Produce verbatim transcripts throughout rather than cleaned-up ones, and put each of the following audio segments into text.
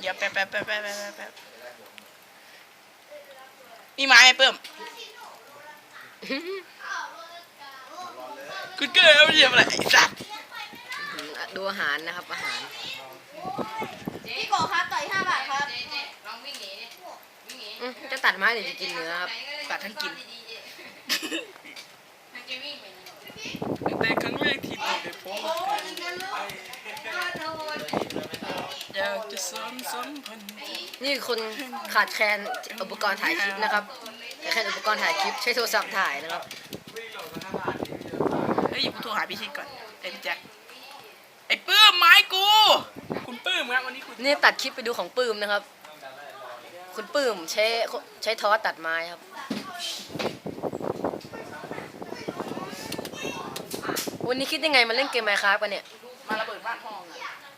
ดี๋ยวแป๊บแป๊บแป๊บแป๊บแป๊บแป๊บมีไม้ไหมเพิ่มคุณเกิดอะไรอะไรไอ้สัตว์ดูอาหารนะครับอาหารพี่โกครับต่อยห้าบาทครับจะตัดไม้หรือจะกินเนื้อครับตัดทั้งกินแต่ครั้งแรกที่เราได้พบกันอยากจะสอนสัมพันธ์นี่คนขาดแคลนอุปกรณ์ถ่ายคลิปนะครับขาดแคลนอุปกรณ์ถ่ายคลิปใช้โทรศัพท์ถ่ายนะครับเฮ้ยอย่าพูดโทรหาพี่ชิดก่อนไอ้พี่แจ็คไอ้ปื้มไม้กูคุณปื้มครับวันนี้คุณนี่ตัดคลิปไปดูของปื้มนะครับคุณปื้มใช้ใช้ทอสตัดไม้ครับวันนี้คิดยังไงมาเล่นเกมไมค์ครับกันเนี่ยมาระเบิดบ้านห้องอ่ะ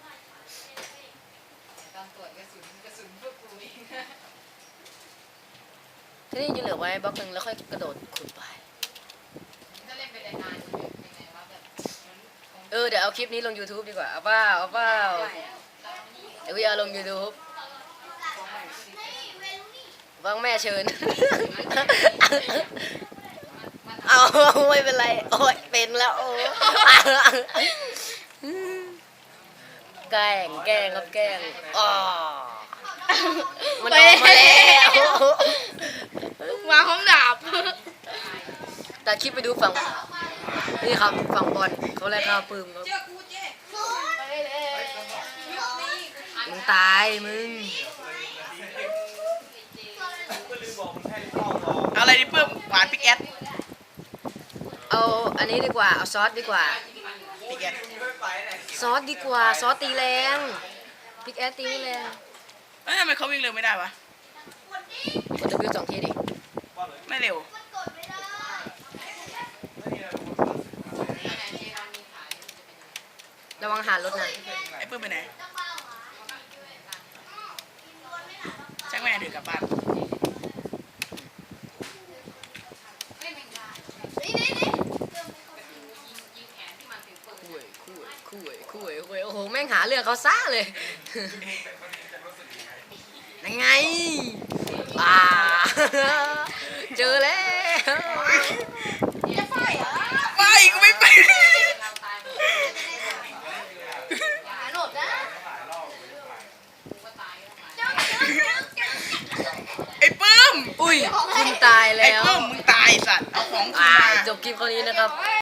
ทีนี้จะเหลือไว้บล็อกหนึ่งแล้วค่อยกระโดดขุดไปเออเดี๋ยวเอาคลิปนี้ลง YouTube ดีกว่าเอาเปล่าเอาเปล่าเดี๋ยวพี่เอาลง YouTube วางแม่เชิญเอาไม่เป็นไรโอ้ยเป็นแล้วโอ้แกล้งแกล้งครับแกล้งอ๋อมันออกมาแล้วมาห้องดาบแต่คลิปไปดูฝั่งนี่ครับฝั่งบอลเขาแลกข้าวปืมครับมึงตายมึงเอาอะไรดิเพิ่มหวานพิกแอดเอาอันนี้ดีกว่าเอาซอสดีกว่าพิกแอดซอสดีกว่าซอสตีแรงพิกแอดตีไม่แรงเอ้ยทำไมเขาวิ่งเร็วไม่ได้วะกด W สองทีดิไม่เร็วระวังหารถนะไอ้ปื้มไปไหนช่างแม่เดือกลับบ้านคุยคุยคุยคุยคุยโอ้โหแม่งหาเรื่องเขาซ่าเลยยังไงอ่าเจอแล้ว